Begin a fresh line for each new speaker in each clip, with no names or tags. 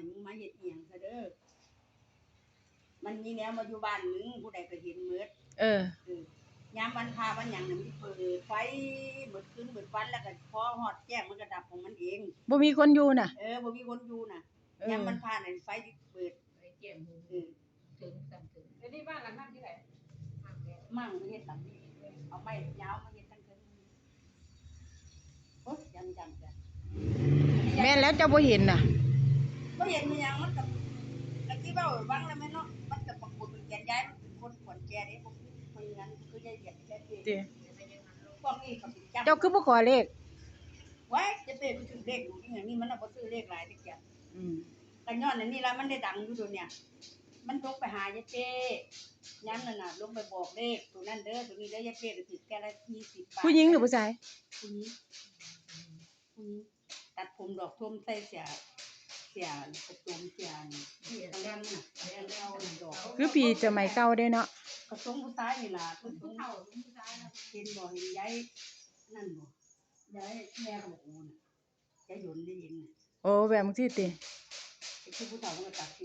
ให้มึงมาเฮ็ดอีหยังซะเด้อมันมีแนวมาอยู่บ้านมึงผู้ใดก็เห็นหมดยามวันพาวันหยังน่ะมันเปิดไฟเบิดคืนเบิดวันแล้วก็พอฮอดแจ้งมันก็ดับของมันเอง
บ่มีคนอยู่น่ะ
บ่มีคนอยู่น่ะยามวันพาน่ะไฟเปิด
ไอ้แก้มถึงสั่นถึงแล้วนี่บ้านหลังนั้นที่ไหน
มั่งมาเฮ็ดหลังนี้เอาไม้ยาวมาเฮ็ดทั้งคืนโอ๊ยจำจ้ะ
แม่นแล้วเจ้าบ่เห็นน่ะ
บ่เห็นมีหยังมันก็ที่เว้าวังแล้วแม่เนาะมันก็ปรากฏเป็นแกนย้ายมันเป็นคนขอนแก่เด้บ่คืองั้นคือยายเดียดแค่นี้พวกนี้ก็สิจำ
เจ้าคือบ่ขอเลข
ไว้จะไปถึงเลขอยู่ที่อย่างนี้มันน่ะบ่ซื้อเลขหลายเด้แกกันย้อนอันนี้ล่ะมันได้ดังอยู่ตัวเนี่ยมันลงไปหายายเป้ย้ำนั่นน่ะลงไปบอกเลขตัวนั้นเด้อตัวนี้เด้อยายเป้ก็สิแกละ20 บาท
ผู้หญิงหรือผู้ชาย
ผู้หญิงตัดผมดอกท่มใส่เสียกระโจมเสียที่ทางด้านน่ะแล้วดอก
คือปีสมัยเก่าเด้เนาะ
กระทรงผู้ชายนี่ล่ะผู้เฒ่าผู้ชายนะเห็นบ่เห็นยายนั่นบ่ยายแม่ก็บอกโอ้น่ะยายหยนได้ยินน่ะ
โอ้แบบจังซี่ติ
คือผู้เฒ่ามันก็ตัดสิ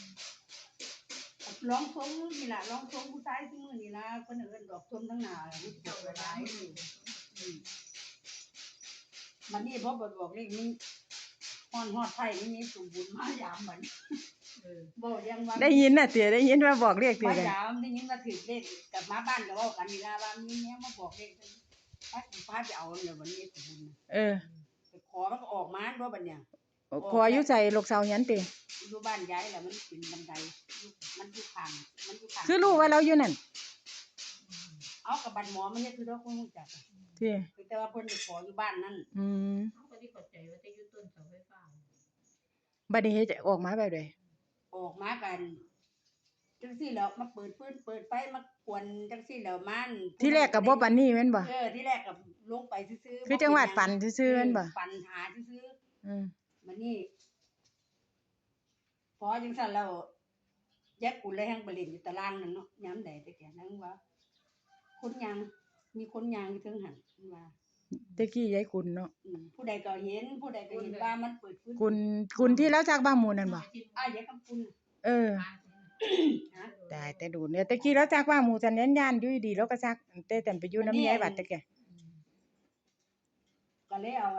ร้องทรงนี่ล่ะร้องทรงผู้ชายที่มื้อนี่ล่ะเพิ่นเอิ้นดอกทมทั้งหน้าล่ะมันเจ้าหลายมันนี่พอบอกเลขนี้ฮอดไทยนี่มีสมบูรณ์มายามมันบ่ยังว่า
ได้ยินน่ะติได้ยินว่าบอกเลขติ
มายามได้ยินว่าถือเลขกลับมาบ้านก็เว้ากันนี่ล่ะว่ามีแนวมาบอกเลขพาไปเอาเนี่ยวันนี้สมบูรณ์ไปขอมันก็ออกมาบ่บัดเนี่ย
ขออยู่ไสลูกสาวเฮียนติ
อยู่บ้านยายแล้วมันเป็นบันไดมันอยู่ข้าง
คือรู้ว่าเราอยู่นั่น
เอากับบัดหมอมันเฮ็ดคือเราคงรู้จัก
ติ
แต่ว่าเพิ่นไปขออยู่บ้านนั่น
เฮาก็สิเข้าใจว่าแต่อยู่ต้นเสาไฟฟ้า
บัดนี้เฮ็ดออกมาแบบใด
ออกมากันจังซี่แล้วมาเปิดฟืนเปิดไฟมากวนจังซี่แล้วมัน
ที่แรกก็บ่ปานนี้แม่นบ่
ที่แรกก็ลงไปซื่อ
ๆคือจังหวัดฝันซื่อๆแม่นบ่
ฝันหาซื่อมันนี่พอจังซั่นแล้วแยกกูเลยแฮงไปเล่นอยู่ตารางนั่นเนาะยามใดแต่แกนั่งว่าคนยางมีคนยางอยู่เทิงหันว่า
ตะกี้ยายคุณเนาะ
ผู้ใดก็เห็นว่ามันเปิด
ฟื้นคุณที่แล้วจากบ้านหมู่นั่นบ่
ยายคำคุณ
ตายแต่ดูเนี่ยตะกี้แล้วจากบ้านหมู่จันย่านๆอยู่ดีแล้วก็ซักแต่ไปอยู่นำยายบัดตะแก
ก็เลยเอา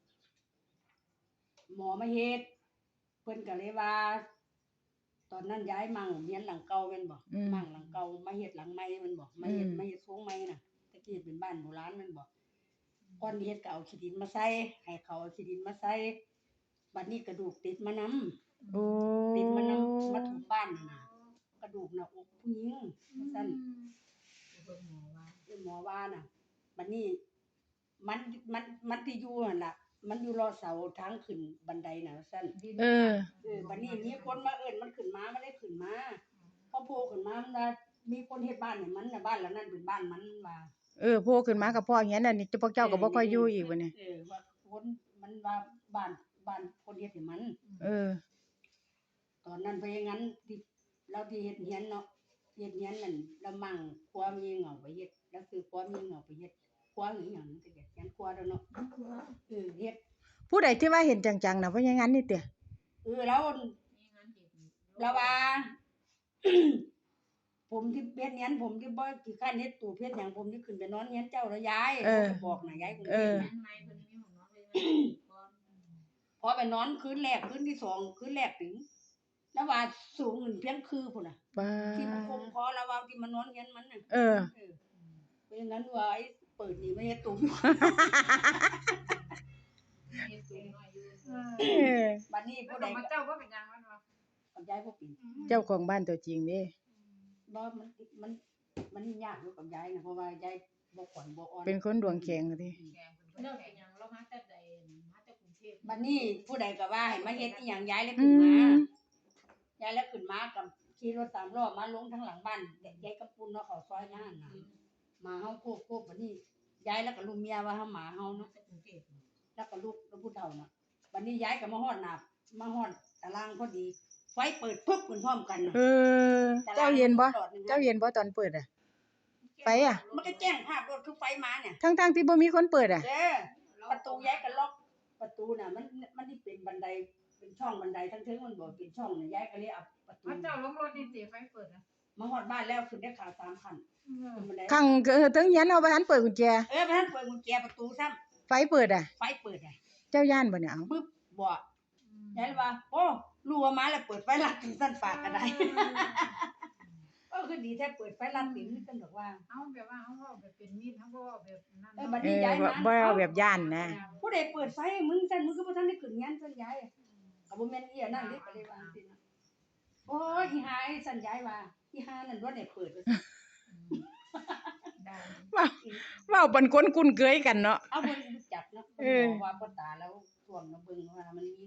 หมอมาเฮ็ดเพิ่นก็เลยว่าตอนนั้นย้ายมั่งเฮียนหลังเก่าแม่นบ่มั่งหลังเก่ามาเฮ็ดหลังใหม่แม่นบ่มาเฮ็ดโครงใหม่น่ะตะกี้เป็นบ้านโบราณแม่นบ่ก่อนเฮ็ดก็เอาขี้ดินมาใส่ให้เขาเอาขี้ดินมาใส่บัดนี้กระดูกติดมานำติดมานำมาถึงบ้านน่ะกระดูกหน้าอกผู้หญิงว่าซั่นหมอว่าน่ะบัดนี้มันที่อยู่นั่นล่ะมันอยู่รอเสาทางขึ้นบันไดน่ะซั่นบัดนี้มีคนมาเอิ้นมันขึ้นมามันได้ขึ้นมาพอโผล่ขึ้นมามันว่ามีคนเฮ็ดบ้านให้มันน่ะบ้านหลังนั้นเป็นบ้านมันว่า
โผล่ขึ้นมากับพ่อเฮียนอันนี้พวกเจ้าก็บ่ค่อยอยู่อีกบัดนี้
ว่าคนมันว่าบ้านคนเฮ็ดให้มันตอนนั้นเพราะงั้นที่เราที่เฮ็ดเฮียนเนาะเฮ็ดเฮียนนั่นละมั่งครัวมีเหงาไปเฮ็ดแล้วคือครัวมีเหงาไปเฮ็ดครัวหรือหยังจังซี่ยันครัวแล้วเนาะเฮ็ด
ผู้ใดที่ว่าเห็นจังๆน่ะเพราะงั้นนี่ติ
แล้วว่าผมที่เฮ็ดเฮียนผมที่บ่ขี้คร้านเฮ็ดตู้เฮ็ดหยังผมที่ขึ้นไปนอนเฮียนเจ้าแล้วยายบอกน่ะยายคงเฮ็ดพอไปนอนคืนแรกคืนที่2คืนแรกถึงแล้วว่าสูงเพียงคือพุ่นน่ะที่คมพอแล้วว่าที่มานอนเฮียนมันน่ะเป็นงั้นว่าไอ้เปิดนี่ไม่เฮ็ดตู้บัดนี้ผู้ใด
เจ้าบ่เป็นหยังมันว่า
กับยายบ่เป็น
เจ้าของบ้านตัวจริงเด้
บ่มันยากอยู่กับยายน่ะเพราะว่ายายบ่ขวัญบ่อ่อน
เป็นคนดวงแข็งติ
เราเป็นหยังเรามาแต่ใดมาแต่กรุงเทพ
บัดนี้ผู้ใดก็ว่าให้มาเฮ็ดอีหยังยายเลยขึ้นมายายแล้วขึ้นมากับขี่รถ3ล้อมาลงทางหลังบ้านยายกับปุ้นเนาะเขาซอยนั่นน่ะมาเฮาโคกบัดนี้ยายแล้วก็ลูกเมียว่าเฮาหมาเฮาเนาะ
กรุงเทพ
แล้วก็ลูกแล้วผู้เฒ่าน่ะบัดนี้ยายก็มาฮอดหน้ามาฮอดตารางพอดีไฟเปิดปึ๊บขึ้นพร้อมกันน่ะ
เจ้าเห็นบ่ตอนเปิดไฟ
มันก็แจ้งภาพรถคือไฟมาเนี่ย
ทั้งที่บ่มีคนเปิด
ประตูยายก็ล็อกประตูน่ะมันที่เป็นบันไดเป็นเป็นช่องบันไดทั้งเทิงมันบ่เป็นช่องน่ะยายก็เลยเอาประตู
พระเจ้าลงรถนี่สิไฟเปิดนะ
มาฮอดบ้านแล้วขึ้นได้ขา3ขั้นขึ้นบันได
ข้างถึงเฮียนเอาบ่ทันเปิดกุญแจ
บ่ทันเปิดกุญแจประตูซ้ำ
ไฟเปิดอ่ะ
ไฟเปิดอ่ะ
เจ้าย่านบ่เนี่ยเอา
ปึ๊บบ่ยายเลยว่าโอ้รู้ว่ามาแล้วเปิดไฟลัดถึงสั่นฝากก็ได้ คือดีแท้เปิดไฟลัดติ่งนี่ซั่นดอกว่า
เอาแบบว่าเอาแบบเป็นมีดเอาบ่แบบนั้น
บัดนี้ยายมา
บ่เอาแบบย่านนะ
ผู้ใดเปิดไฟให้มึงซั่นมึงก็บ่ทันได้ขึ้นงานซั่นยายก็บ่แม่นอีอันนั้นเด้ก็เลยว่าจังซี่นะโอ้ยอีหาไอ้ซั่นยายว่าอีหานั่นบ่ได้เปิดว่าซั่น
ได้
เว้าเป็นคนคุ้นเคยกันเนาะ
เอาบ่รู้จักเนาะ
เออ
บอกว่าพ่อตาแล้วท่วงมาเบิ่งว่ามันมี